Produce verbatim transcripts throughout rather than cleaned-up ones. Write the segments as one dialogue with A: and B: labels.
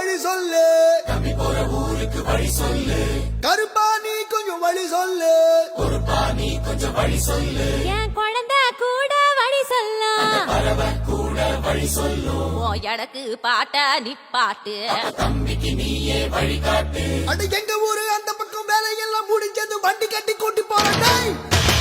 A: வழி சொல்லு,
B: தம்பி போற ஊருக்கு வழி சொல்லு,
A: கருப்பா நீ கொஞ்சம் வழி சொல்லு,
B: பொறுப்பா நீ கொஞ்சம் வழி சொல்லு,
C: என் குழந்தை கூட வழி சொல்லும்,
B: பறவை கூட வழி சொல்லும்,
C: ஓ எனக்கு பாட்ட நிப்பாட்டு,
B: தம்பிக்கு நீயே வழிகாட்டு.
A: அட எங்க ஊரு அந்த பக்கம் வேலையெல்லாம் முடிஞ்சது, வண்டி கட்டி கூட்டி போறேன்.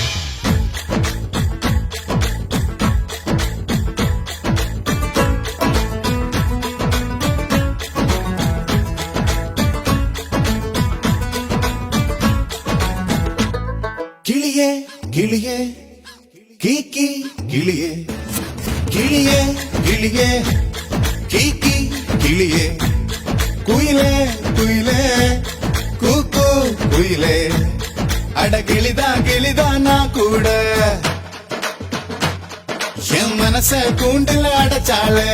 D: கிளியே கிளியே கீக்கி கிளியே, கிளியே கிளியே கீக்கி கிளியே, குயிலே குயிலே கூக்கு குயிலே, அட கிளிதா கிளிதா நான் கூட என் மனச கூண்டுல அடைச்சாளே,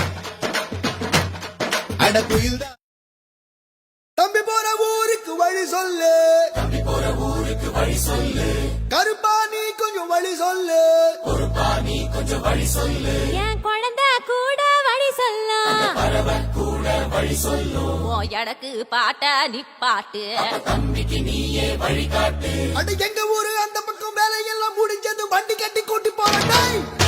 D: அட குயில்தான்.
A: தம்பி போற ஊருக்கு வழி சொல்லு,
B: தம்பி போற ஊருக்கு வழி சொல்லு,
A: கருப்பா நீ கொஞ்சம் வழி சொல்லு,
B: பொறுப்பா நீ கொஞ்சம் வழி சொல்லு,
C: என் குழந்தை கூட வழி சொல்லும்,
B: பறவை கூட வழி சொல்லும்,
C: ஓ எனக்கு பாட்ட நிப்பாட்டு,
B: தம்பிக்கு நீயே வழிகாட்டு.
A: அட எங்க ஊரு அந்த பக்கம் வேலையெல்லாம் முடிஞ்சது, வண்டி கட்டி கூட்டி போறேன்.